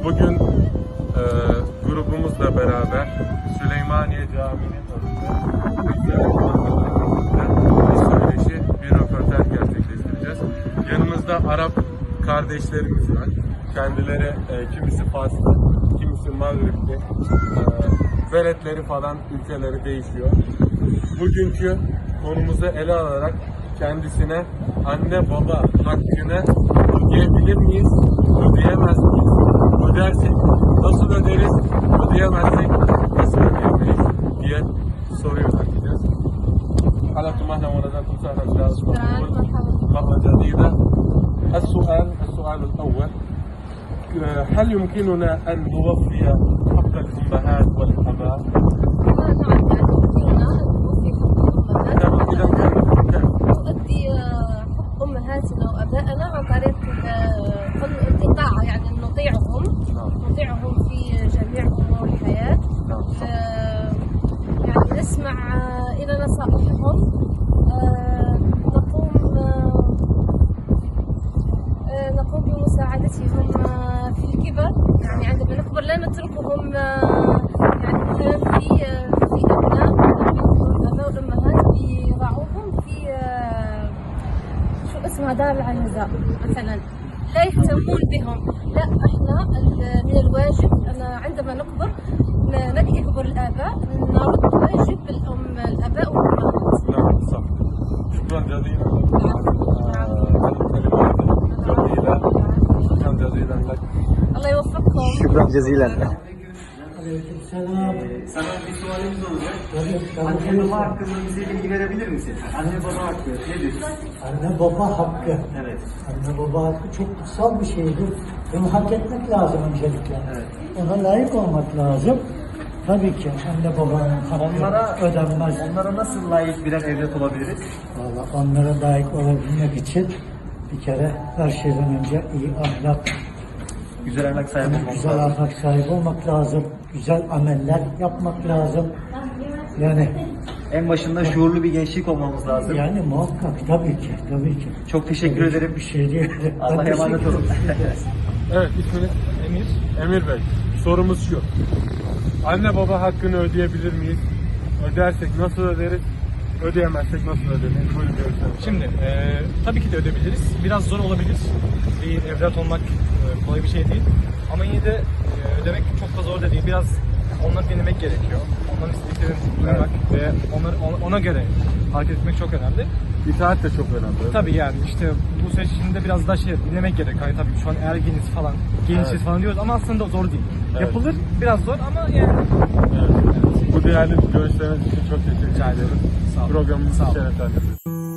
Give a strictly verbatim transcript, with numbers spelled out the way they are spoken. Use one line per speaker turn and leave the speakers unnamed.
Bugün e, grubumuzla beraber Süleymaniye Camii'nin önünde bir söyleşi, bir röportaj gerçekleştireceğiz. Yanımızda Arap kardeşlerimiz var. Kendileri e, kimisi Faslı, kimisi Mağribli. E, veletleri falan, ülkeleri değişiyor. Bugünkü konumuzu ele alarak kendisine anne baba hakkını ödeyebilir miyiz, ödeyemez miyiz? Ödersek nasıl öderiz, ödeyemezsek nasıl ödeyemeyiz diye soruyor bakacağız. حالكم اهلا وسهلا وسهلا مرة جديدة. السؤال السؤال الأول هل يمكننا أن نوفي حق الأمهات والآباء؟
نؤدي حق أمهاتنا وأبائنا عن طريق الإطاعة، يعني نطيعهم نطيعهم في جميع أمور الحياة. يعني نسمع إلى نصائحهم، نقوم نقوم بمساعدتهم في الكبر، يعني عندما نكبر لا نتركهم يعني مثلا في في أبناء الآباء والأمهات يضعوهم في شو اسمها دار العنزاء مثلا، لا يهتمون بهم. لا، احنا من الواجب أن عندما نكبر يكبر الآباء نرد واجب الأم الآباء والأمهات.
نعم صح. شكرا جزيلا جميلة. شكرا جزيلا لك.
الله يوفقكم.
Şükran cezilen.
Aleykümselam.
Sana bir sualimiz olacak.
Tabii,
Anne
tabii.
baba hakkında bize bilgi verebilir misin? Anne baba hakkı nedir?
Anne baba hakkı.
Evet.
Anne baba hakkı çok kutsal bir şeydir. Bunu hak etmek lazım öncelikle.
Evet.
Ona layık olmak lazım. Tabii ki anne babanın
Onlara
hakkı ödenmez.
Onlara nasıl layık birer evlat olabiliriz?
Vallahi onlara layık olabilmek için bir kere her şeyden önce iyi ahlak,
Güzel ahlak sahibi olmamız
güzel
lazım.
ahlak sahibi olmak lazım. Güzel ameller yapmak lazım. Yani
En başında şuurlu bir gençlik olmamız lazım.
yani muhakkak tabii ki, tabii ki.
Çok teşekkür
Tabii ki
ederim.
Bir şey değil.
Allah'a
Ben
emanet
teşekkür
olun.
ederim.
Evet, isminiz? Emir. Emir Bey, sorumuz şu. Anne baba hakkını ödeyebilir miyiz? Ödersek nasıl öderiz? Ödeyemezsek nasıl ödemeyiz? Buyurun görüşelim.
Şimdi e, tabii ki de ödebiliriz. Biraz zor olabilir. Bir evlat olmak e, kolay bir şey değil. Ama yine de e, ödemek çok da zor da değil. Biraz onları dinlemek gerekiyor. Onların istediklerini duymak ve onları, ona, ona göre hareket etmek çok önemli.
İtaat de çok önemli.
Tabii yani işte bu süreç içinde biraz daha şey dinlemek gerek. Hani tabii şu an ergeniz falan, gençiz
Evet.
falan diyoruz ama aslında zor değil.
Evet.
Yapılır, biraz zor ama yani.
Evet. Bu değerli görüşleriniz için çok teşekkür
Rica ederim.
ediyoruz.
Sağ olun.
Programımızı
Sağ olun.
şereflendirdiniz.